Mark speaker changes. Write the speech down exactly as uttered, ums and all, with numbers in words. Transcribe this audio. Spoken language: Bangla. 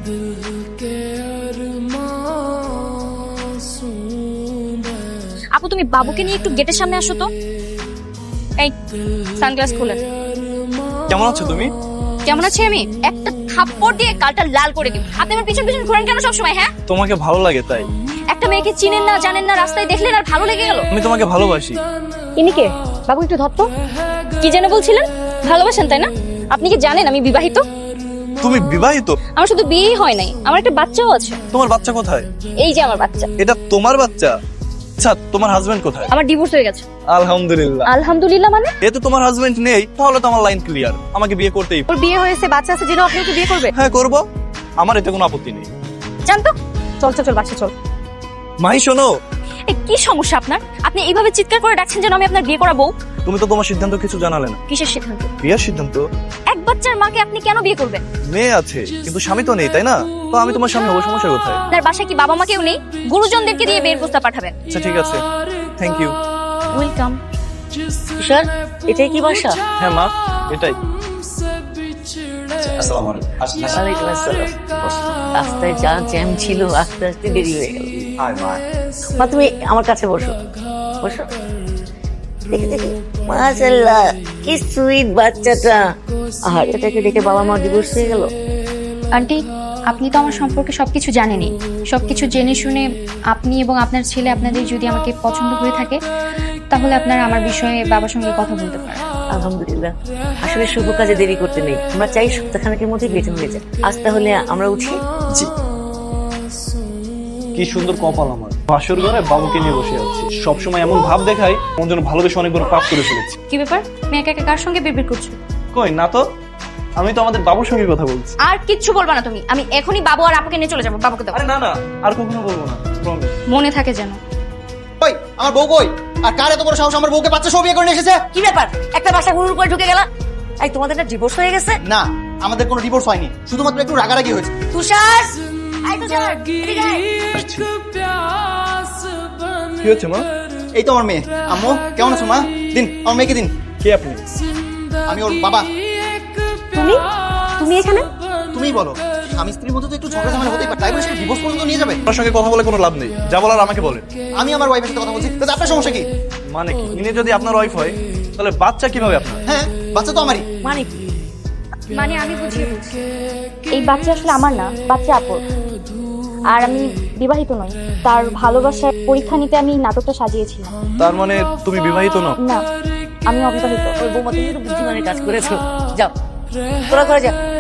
Speaker 1: আপু তুমি বাবুকে নিয়ে একটু গেটের সামনে আসো তো। এই সানগ্লাস খুলে।
Speaker 2: কেমন আছো তুমি?
Speaker 1: কেমন আছি আমি? একটা থাপ্পড় দিয়ে গালটা লাল করে দিব। আপনি আমার পিছন পিছন ঘোরেন কেন সব সময়? হ্যাঁ,
Speaker 2: তোমাকে ভালো লাগে তাই।
Speaker 1: একটা মেয়েকে চিনেন না জানেন না, রাস্তায় দেখলেন আর ভালো লেগে গেল।
Speaker 2: আমি তোমাকে ভালোবাসি।
Speaker 1: ইনি কে? বাবু একটু ধর তো। কি যেন বলছিলেন? ভালোবাসেন তাই না? আপনি কি জানেন আমি বিবাহিত?
Speaker 2: তুমি বিবাহিত?
Speaker 1: আমার শুধু বিয়েই হয় নাই, আমার একটা বাচ্চাও আছে।
Speaker 2: তোমার বাচ্চা কোথায়?
Speaker 1: এই যে আমার বাচ্চা।
Speaker 2: এটা তোমার বাচ্চা? আচ্ছা, তোমার হাজবেন্ড কোথায়?
Speaker 1: আমার ডিভোর্স হয়ে গেছে।
Speaker 2: আলহামদুলিল্লাহ।
Speaker 1: আলহামদুলিল্লাহ মানে?
Speaker 2: যেহেতু তোমার হাজবেন্ড নেই তাহলে তো আমার লাইন ক্লিয়ার, আমাকে বিয়ে করতেই।
Speaker 1: ওর বিয়ে হয়েছে, বাচ্চা আছে, যেন আপনি ওকে বিয়ে করবে?
Speaker 2: হ্যাঁ করব, আমার এতে কোনো আপত্তি নেই।
Speaker 1: জান তো, চল চল চল বাচ্চা চল।
Speaker 2: মাহি শোনো।
Speaker 1: এই কি সমস্যা আপনার? আপনি এইভাবে চিৎকার করে ডাকছেন যেন আমি আপনার বিয়ে করা বউ।
Speaker 2: তুমি তো তোমার সিদ্ধান্ত কিছু জানালে না।
Speaker 1: কিসের সিদ্ধান্ত?
Speaker 2: বিয়ের সিদ্ধান্ত।
Speaker 1: এক বাচ্চার মাকে আপনি কেন বিয়ে করবেন?
Speaker 2: মেয়ে আছে কিন্তু স্বামী তো নেই, তাই না? তো আমি তোমার স্বামী হবো, সমস্যা কোথায়?
Speaker 1: আপনার বাসায় কি বাবা মা কেউ নেই? গুরুজনদেরকে দিয়ে বিয়ের প্রস্তাব পাঠাবেন।
Speaker 2: আচ্ছা ঠিক আছে, থ্যাংক ইউ।
Speaker 1: ওয়েলকাম।
Speaker 3: স্যার, এটাই কি বাসা?
Speaker 2: হ্যাঁ মা, এটাই।
Speaker 4: আসসালামু আলাইকুম।
Speaker 3: ওয়ালাইকুম আসসালাম। রাস্তায় যা জ্যাম ছিল, আস্তে আস্তে দেরি হয়ে গেল।
Speaker 4: হাই মা।
Speaker 3: মা তুমি আমার কাছে বসো, বসো। দেখে দেখে মাশাআল্লাহ, কি সুইট বাচ্চাটা। আর এটাকে দেখে বাবা মা ডিভোর্স হয়ে গেল।
Speaker 5: আন্টি, আপনি তো আমার সম্পর্কে সবকিছু জানেনই। সবকিছু জেনে শুনে আপনি এবং আপনার ছেলে আপনাদের যদি আমাকে পছন্দ হয়ে থাকে তাহলে আপনারা আমার বিষয়ে বাবার সঙ্গে কথা বলতে পারেন।
Speaker 3: আলহামদুলিল্লাহ, আসলে শুভ কাজে দেরি করতে নেই। আমরা চাই সপ্তাহখানেকের মধ্যে বিয়ে হয়ে যায়। আজ তাহলে আমরা উঠি।
Speaker 4: জি।
Speaker 2: কি সুন্দর কপাল আমার, বাসর ঘরে বাবুকে নিয়ে বসে আছি। সবসময় এমন ভাব দেখাই মন যেন ভালোবেসে অনেক বড় পাপ করে ফেলেছি।
Speaker 5: কি ব্যাপার, তুমি একা একা কার সঙ্গে বিড়বিড় করছো?
Speaker 2: কই না তো, আমি তো আমাদের বাবুর সঙ্গে কথা বলছি।
Speaker 1: আর কিচ্ছু বলবা না তুমি। আমি এখনই বাবু আর আপুকে নিয়ে চলে যাবো। বাবুকে দাও।
Speaker 2: আরে না না, আর কখনো বলবো না, প্রমিস।
Speaker 5: মনে থাকে যেন।
Speaker 4: ওই আমার বউ কই? আর কার এত বড় সাহস আমার বউকে বাচ্চা সহ বিয়ে করে নিয়ে এসেছে?
Speaker 3: কি ব্যাপার, একটা বাসা গুরুর উপরে ঢুকে গেল? এই তোমাদের না ডিভোর্স হয়ে গেছে?
Speaker 4: না, আমাদের কোনো ডিভোর্স হয়নি, শুধুমাত্র একটু রাগারাগি হয়েছে।
Speaker 3: তুষার, এই তুষার, এদিকে আয়।
Speaker 2: কি হচ্ছে মা?
Speaker 4: এই তো আমার মেয়ে। আম্মু কেমন আছো মা? দিন আমার মেয়েকে দিন।
Speaker 2: কে আপনি?
Speaker 4: আমি ওর বাবা।
Speaker 1: তুমি তুমি এখানে?
Speaker 4: তুমিই বলো, স্বামী স্ত্রীর মধ্যে তো একটু ঝগড়া ঝামেলা হতেই পারে, তাই বলে সেটা ডিভোর্স পর্যন্ত নিয়ে যাবে?
Speaker 2: আপনার সঙ্গে কথা বলে কোনো লাভ নেই, যা বলার আমাকে বলেন।
Speaker 4: আমি আমার ওয়াইফের সাথে কথা বলছি, তো আপনার সমস্যা কি?
Speaker 2: মানে কি, ইনি যদি আপনার ওয়াইফ হয় তাহলে বাচ্চা কিভাবে আপনার?
Speaker 4: হ্যাঁ, বাচ্চা তো আমারই।
Speaker 3: মানে কি?
Speaker 5: মানে আমি বুঝিয়ে বলছি,
Speaker 1: এই বাচ্চা আসলে আমার না, বাচ্চা আপুর। আর আমি বিবাহিত নই। তার ভালোবাসার পরীক্ষা নিতে আমি নাটকটা সাজিয়েছিলাম।
Speaker 2: তার মানে তুমি বিবাহিত নও?
Speaker 1: না, আমি অবিবাহিত।
Speaker 3: ওর বৌমা, তুমি তো বুদ্ধিমানের কাজ করেছো। যাও, তোরা করে যা।